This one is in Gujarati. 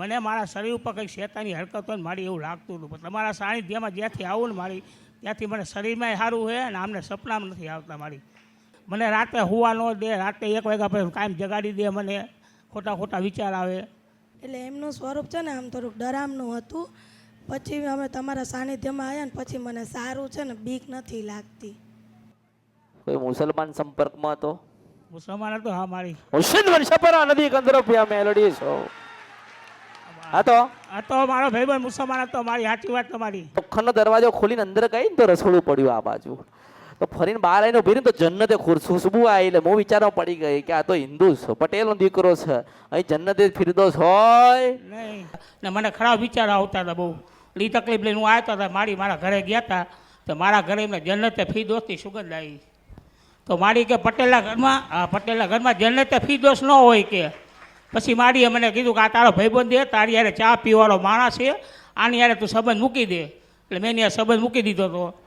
મને મારા શરીર ઉપર કંઈક શેતાની હરકત હોય ને મારી એવું લાગતું હતું, પણ તમારા સાનિધ્યમાં જ્યાંથી આવું ને મારી ત્યાંથી મને શરીરમાં સારું છે અને આમને સપનામાં નથી આવતા મારી. મને રાતે હુવા ન દે, રાતે 1 વાગ્યા પછી કાયમ જગાડી દે, મને ખોટા ખોટા વિચાર આવે. એટલે એમનું સ્વરૂપ છે ને આમ થોડુંક ડરામનું હતું. પછી અમે તમારા સાનિધ્યમાં આવ્યા ને પછી મને સારું છે ને બીક નથી લાગતી. કોઈ મુસલમાન સંપર્કમાં તો મુસલમાન હતો? હા, મારી મુર્શિદ વર્ષપરા નદી કંદરપિયા મેલડી છો. હા તો મારો ભાઈબંધ મુસલમાન હતો. મારી સાચી વાત તમારી. ખનો દરવાજો ખોલીને અંદર ગઈ ને તો રસોડું પડ્યું આ બાજુ. તો ફરીને બહાર આવીને ઉભી રહી તો જન્નતે ખુશ્બુ આવી. એટલે હું વિચારવા પડી ગઈ કે આ તો હિન્દુ છે, પટેલનો દીકરો છે, અહીં જન્નતે ફિરદોસ હોય નહીં. ને મને ખરાબ વિચાર આવતા હતા બહુ. એ તકલીફ લઈને હું આવતા હતા. મારા ઘરે ગયા હતા તો મારા ઘરે એમને જન્નતે ફિરદોસની સુગંધ આવી. તો મારી કે પટેલના ઘરમાં જન્નતે ફિરદોસ ન હોય કે. પછી મારીએ મને કીધું કે આ તારો ભાઈબંધ દે, તારી યારે ચા પીવાળો માણસ છે, આની યારે તું સંબંધ મૂકી દે. એટલે મેં એને સંબંધ મૂકી દીધો હતો.